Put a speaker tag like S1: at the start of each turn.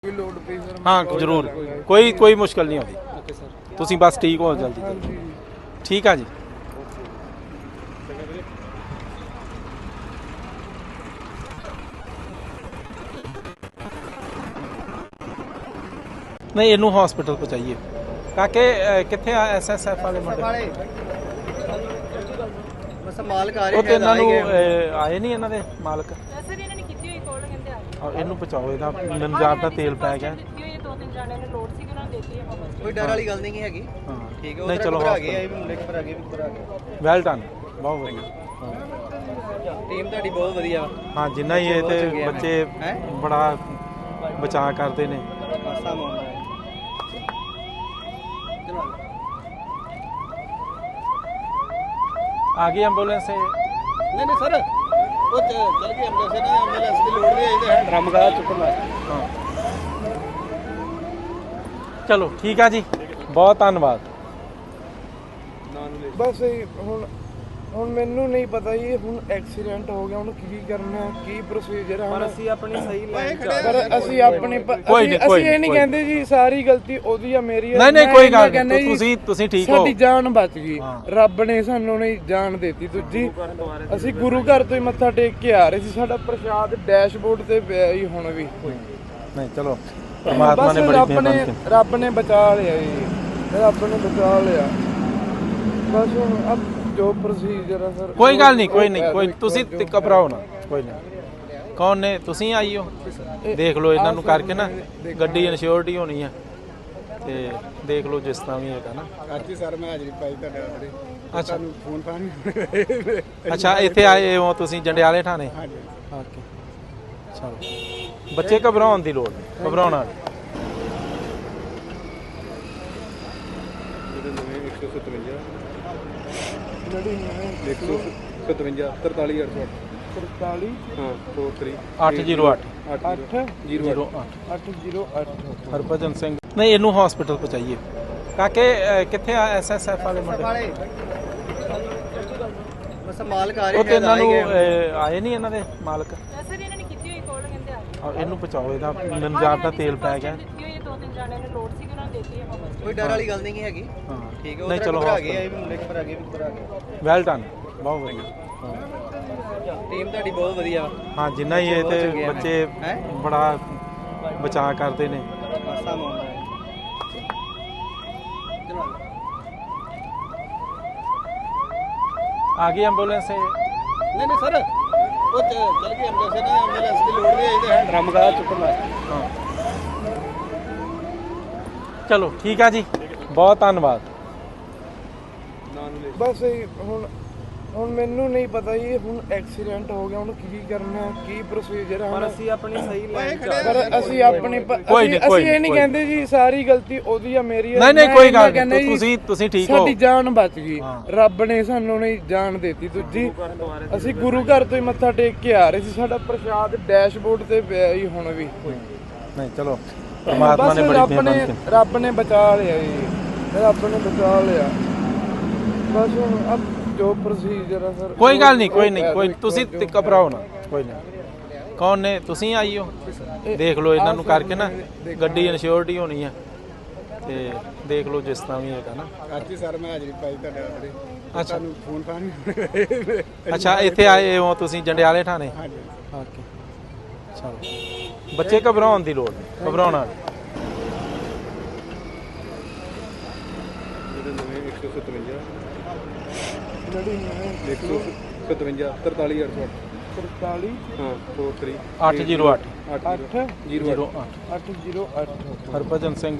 S1: Load ਪਈ sir
S2: हाँ जरूर कोई मुश्किल नहीं होती
S1: ਓਕੇ ਸਰ
S2: तुसी बस ठीक हो जल्दी
S1: ਹਾਂਜੀ
S2: ठीक है जी नहीं इनू हॉस्पिटल पहुंचाइए काके किथे एसएसएफ वाले मुंडे
S1: ਬਸ ਮਾਲਕ ਆ
S2: ਉਹ ਤੇ ਇਹਨਾਂ ਨੂੰ ਆਏ ਨਹੀਂ ਇਹਨਾਂ ਦੇ ਮਾਲਕ
S3: ਸਰ ਇਹਨਾਂ ਨੇ ਕੀਤੀ ਹੋਈ ਕੋਲ ਕਹਿੰਦੇ ਆ ਗਏ
S2: ਔਰ ਇਹਨੂੰ ਪਹੁੰਚਾਓ ਇਹਦਾ ਨੰਜਾਬ ਦਾ ਤੇਲ ਪੈ ਗਿਆ
S3: ਦਿੱਤੀ ਹੋਈ ਦੋ ਤਿੰਨ ਜਾਣਿਆਂ ਨੇ ਲੋਡ ਸੀ ਕਿ ਉਹਨਾਂ ਨੇ ਦਿੱਤੀ ਹੈ ਵਾਪਸ
S1: ਕੋਈ ਡਰ ਵਾਲੀ ਗੱਲ ਨਹੀਂ ਹੈਗੀ
S2: ਹਾਂ
S1: ਠੀਕ ਹੈ
S2: ਨਹੀਂ ਚਲੋ
S1: ਘਬਰਾ ਗਏ ਆ ਵੀ ਮੁੰਡੇ ਘਬਰਾ ਗਏ ਵੀ ਘਬਰਾ ਗਏ
S2: ਵੈਲ ਡਨ ਬਹੁਤ ਵਧੀਆ
S1: ਟੀਮ ਤੁਹਾਡੀ ਬਹੁਤ ਵਧੀਆ ਵਾ
S2: ਹਾਂ ਜਿੰਨਾ ਹੀ ਇਹ ਤੇ ਬੱਚੇ
S1: ਹੈਂ?
S2: ਬੜਾ ਬਚਾਅ ਕਰਦੇ ਨੇ
S1: ਹਾਸਾ ਮਾਉਂਦਾ ਹੈ ਚਲੋ
S2: ਆ ਗਈ ਐਂਬੂਲੈਂਸ
S1: ਨਹੀਂ ਨਹੀਂ ਸਰ ਉਹ ਚੱਲ ਗਈ ਐਂਬੂਲੈਂਸ ਨਾ ਐਂਬੂਲੈਂਸ ਦੀ ਲੋੜ ਨਹੀਂ ਇਹਦੇ ਹੈ ਡਰਮ ਕਰਾ ਚੁੱਕਣ ਵਾਸਤੇ
S2: ਹਾਂ ਚਲੋ ਠੀਕ ਆ ਜੀ ਬਹੁਤ ਧੰਨਵਾਦ
S4: ਬਸ ਹੁਣ ਮੈਨੂੰ ਨਹੀਂ ਪਤਾ ਜੀ ਹੁਣ ਐਕਸੀਡੈਂਟ ਹੋ ਗਿਆ ਹੁਣ ਕੀ ਕਰਨਾ ਕੀ ਪ੍ਰੋਸੀਜਰ ਹੈ
S1: ਅਸੀਂ ਆਪਣੀ ਸਹੀ ਲਾਈਨ
S4: ਪਰ ਅਸੀਂ ਆਪਣੀ
S2: ਕੋਈ ਨਹੀਂ, ਕੋਈ
S4: ਅਸੀਂ ਇਹ ਨਹੀਂ
S2: ਨਹੀਂ।
S4: ਕਹਿੰਦੇ ਜੀ ਸਾਰੀ ਗਲਤੀ ਉਹਦੀ ਆ ਮੇਰੀ ਆ
S2: ਨਹੀਂ ਨਹੀਂ
S4: ਮੈਂ
S2: ਕੋਈ
S4: ਇੰਨਾ
S2: ਗੱਲ
S4: ਕਹਿੰਦਾ
S2: ਨਹੀਂ
S4: ਜੀ,
S2: ਤੁਸੀਂ ਠੀਕ ਹੋ
S4: ਸਾਡੀ ਜਾਨ ਬਚ ਗਈ
S2: ਹਾਂ।
S4: ਰੱਬ ਨੇ ਸਾਨੂੰ ਨਹੀਂ ਜਾਨ ਦਿੱਤੀ ਦੂਜੀ ਅਸੀਂ ਗੁਰੂ ਘਰ ਤੋਂ ਹੀ ਮੱਥਾ ਟੇਕ ਕੇ ਆ ਰਹੇ ਸੀ ਸਾਡਾ ਪ੍ਰਸ਼ਾਦ ਡੈਸ਼ਬੋਰਡ ਤੇ ਪਿਆ ਜੀ ਹੁਣ ਵੀ
S2: ਨਹੀਂ ਚਲੋ ਪਰਮਾਤਮਾ
S4: ਬਸ
S2: ਨੇ ਬੜੀ
S4: ਰੱਬ ਨੇ
S2: ਮਿਹਰਬਾਨੀ ਕੀਤੀ
S4: ਰੱਬ ਨੇ ਬਚਾ ਲਿਆ ਜੀ ਰੱਬ ਨੇ ਬਚਾ ਲਿਆ ਬਸ ਹੁਣ ਅਬ ਜੋ ਪ੍ਰੋਸੀਜਰ ਹੈ ਸਰ
S2: ਕੋਈ ਗੱਲ ਨਹੀਂ ਕੋਈ ਤੁਸੀਂ ਘਬਰਾਓ ਨਾ ਕੋਈ ਨਹੀਂ ਕੌਣ ਨੇ ਤੁਸੀਂ ਆਈ ਹੋ ਦੇਖ ਲਓ ਇਹਨਾਂ ਨੂੰ ਕਰਕੇ ਨਾ ਗੱਡੀ ਇਨਸ਼ੋਰਟੀ ਹੋਣੀ ਆ ਤੇ ਦੇਖ ਲਓ ਜਿਸ ਤਰ੍ਹਾਂ ਵੀ ਹੈਗਾ ਨਾ
S1: ਅੱਜ ਹੀ ਸਰ ਮੈਂ ਹਾਜ਼ਰੀ ਪਾਈ ਤੁਹਾਡੇ ਆਸਰੇ
S2: ਅੱਛਾ
S1: ਫੋਨ ਫਾਨ
S2: ਅੱਛਾ ਇੱਥੇ ਆਏ ਹੋ ਤੁਸੀਂ ਜੰਡਿਆਲੇ ਥਾਣੇ
S1: ਹਾਂਜੀ
S2: ਓਕੇ ਚਲੋ ਬੱਚੇ ਘਬਰਾਉਣ ਦੀ ਲੋੜ ਨਹੀਂ ਘਬਰਾਉਣਾ ਨਹੀਂ।
S4: ਜਿਹੜੀ
S1: 157 43
S4: 43
S1: ਹਾਂ 43
S2: 808
S4: 8
S2: 08
S4: 808
S2: ਹਰਭਜਨ ਸਿੰਘ ਨਹੀਂ ਇਹਨੂੰ ਹਸਪੀਟਲ ਪਹੁੰਚਾਈਏ ਕਾਕੇ ਕਿੱਥੇ ਆ ਐਸਐਸਐਫ ਵਾਲੇ ਮੁੰਡੇ
S1: ਵਾਲੇ ਬਸ ਮਾਲਕ ਆ
S2: ਉਹ ਤੇ
S1: ਰਹੇ
S2: ਇਹਨਾਂ ਨੂੰ ਆਏ ਨਹੀਂ ਇਹਨਾਂ ਦੇ ਮਾਲਕ
S3: ਸਰ ਇਹਨਾਂ ਨੇ ਕੀਤੀ ਹੋਈ ਕੋਲ ਕਹਿੰਦੇ ਆ ਗਏ
S2: ਔਰ ਇਹਨੂੰ ਪਹੁੰਚਾਓ ਇਹਦਾ ਨੰਜਾਬ ਦਾ ਤੇਲ ਪੈ ਗਿਆ
S3: ਦਿੱਤੀ ਹੋਈ ਦੋ ਤਿੰਨ ਜਾਣਿਆਂ ਨੇ ਲੋਡ ਸੀ ਕਿ ਉਹਨਾਂ ਨੇ ਦਿੱਤੀ ਹੈ ਵਾਪਸ
S1: ਕੋਈ ਡਰ ਵਾਲੀ ਗੱਲ ਨਹੀਂ ਹੈਗੀ
S2: ਹਾਂ
S1: ਠੀਕ ਹੈ
S2: ਨਹੀਂ ਚਲੋ
S1: ਘਬਰਾ ਗਏ ਆ ਵੀ ਮੁੰਡੇ ਘਬਰਾ ਗਏ ਵੀ ਘਬਰਾ ਗਏ
S2: ਵੈਲ ਡਨ ਬਹੁਤ ਵਧੀਆ
S1: ਟੀਮ ਤੁਹਾਡੀ ਬਹੁਤ ਵਧੀਆ ਵਾ
S2: ਹਾਂ ਜਿੰਨਾ ਹੀ ਇਹ ਤੇ ਬੱਚੇ
S1: ਹੈਂ?
S2: ਬੜਾ ਬਚਾਅ ਕਰਦੇ ਨੇ
S1: ਹਾਸਾ ਮਾਉਂਦਾ ਹੈ ਚਲੋ
S2: ਆ ਗਈ ਐਂਬੂਲੈਂਸ
S1: ਨਹੀਂ ਨਹੀਂ ਸਰ ਉਹ ਚੱਲ ਗਈ ਐਂਬੂਲੈਂਸ ਨਾ ਐਂਬੂਲੈਂਸ ਦੀ ਲੋੜ ਨਹੀਂ ਇਹਦੇ ਹੈ ਡਰਮ ਕਰਾ ਚੁੱਕਣ ਵਾਸਤੇ
S2: ਹਾਂ ਚਲੋ ਠੀਕ ਆ ਜੀ ਬਹੁਤ ਧੰਨਵਾਦ
S4: ਬਸ ਹੁਣ ਮੈਨੂੰ ਨਹੀਂ ਪਤਾ ਜੀ ਹੁਣ ਐਕਸੀਡੈਂਟ ਹੋ ਗਿਆ ਹੁਣ ਕੀ ਕਰਨਾ ਕੀ ਪ੍ਰੋਸੀਜਰ ਹੈ
S1: ਅਸੀਂ ਆਪਣੀ ਸਹੀ ਲਾਈਨ
S4: ਪਰ ਅਸੀਂ ਆਪਣੀ
S2: ਕੋਈ ਨਹੀਂ,
S4: ਅਸੀਂ ਇਹ ਨਹੀਂ
S2: ਕੋਈ
S4: ਕਹਿੰਦੇ ਜੀ ਸਾਰੀ ਗਲਤੀ ਉਹਦੀ ਆ ਮੇਰੀ ਆ
S2: ਨਹੀਂ ਨਹੀਂ
S4: ਮੈਂ
S2: ਕੋਈ
S4: ਇੰਨਾ
S2: ਗੱਲ
S4: ਕਹਿੰਦਾ
S2: ਨਹੀਂ
S4: ਜੀ,
S2: ਤੁਸੀਂ ਠੀਕ ਹੋ
S4: ਸਾਡੀ ਜਾਨ ਬਚ ਗਈ
S2: ਹਾਂ।
S4: ਰੱਬ ਨੇ ਸਾਨੂੰ ਨਹੀਂ ਜਾਨ ਦਿੱਤੀ ਦੂਜੀ ਅਸੀਂ ਗੁਰੂ ਘਰ ਤੋਂ ਹੀ ਮੱਥਾ ਟੇਕ ਕੇ ਆ ਰਹੇ ਸੀ ਸਾਡਾ ਪ੍ਰਸ਼ਾਦ ਡੈਸ਼ਬੋਰਡ ਤੇ ਪਿਆ ਜੀ ਹੁਣ ਵੀ
S2: ਨਹੀਂ ਚਲੋ ਪਰਮਾਤਮਾ
S4: ਬਸ
S2: ਨੇ ਬੜੀ
S4: ਰੱਬ
S2: ਮਿਹਰਬਾਨੀ
S4: ਨੇ
S2: ਕੀਤੀ
S4: ਰੱਬ ਨੇ ਬਚਾ ਲਿਆ ਜੀ ਰੱਬ ਨੇ ਬਚਾ ਲਿਆ ਬਸ ਹੁਣ ਅਬ ਜੋ ਪ੍ਰੋਸੀਜਰ ਹੈ ਸਰ
S2: ਕੋਈ ਗੱਲ ਨਹੀਂ ਕੋਈ ਤੁਸੀਂ ਘਬਰਾਓ ਨਾ ਕੋਈ ਨਹੀਂ ਕੌਣ ਨੇ ਤੁਸੀਂ ਆਈ ਹੋ ਦੇਖ ਲਓ ਇਹਨਾਂ ਨੂੰ ਕਰਕੇ ਨਾ ਗੱਡੀ ਇਨਸ਼ੋਰਟੀ ਹੋਣੀ ਆ ਤੇ ਦੇਖ ਲਓ ਜਿਸ ਤਰ੍ਹਾਂ ਵੀ ਹੈਗਾ ਨਾ
S1: ਅੱਜ ਹੀ ਸਰ ਮੈਂ ਹਾਜ਼ਰੀ ਪਾਈ ਤੁਹਾਡੇ ਆਸਰੇ
S2: ਅੱਛਾ
S1: ਫੋਨ ਫਾਨ
S2: ਅੱਛਾ ਇੱਥੇ ਆਏ ਹੋ ਤੁਸੀਂ ਜੰਡਿਆਲੇ ਥਾਣੇ
S1: ਹਾਂਜੀ
S2: ਓਕੇ ਚਲੋ ਬੱਚੇ ਘਬਰਾਉਣ ਦੀ ਲੋੜ ਨਹੀਂ ਘਬਰਾਉਣਾ ਨਹੀਂ।
S1: 157
S4: ਜਿਹੜੀ
S1: 157 43
S4: 43
S1: ਹਾਂ 43
S2: 808
S4: 8
S1: 08
S2: 08
S4: 808
S2: ਹਰਭਜਨ ਸਿੰਘ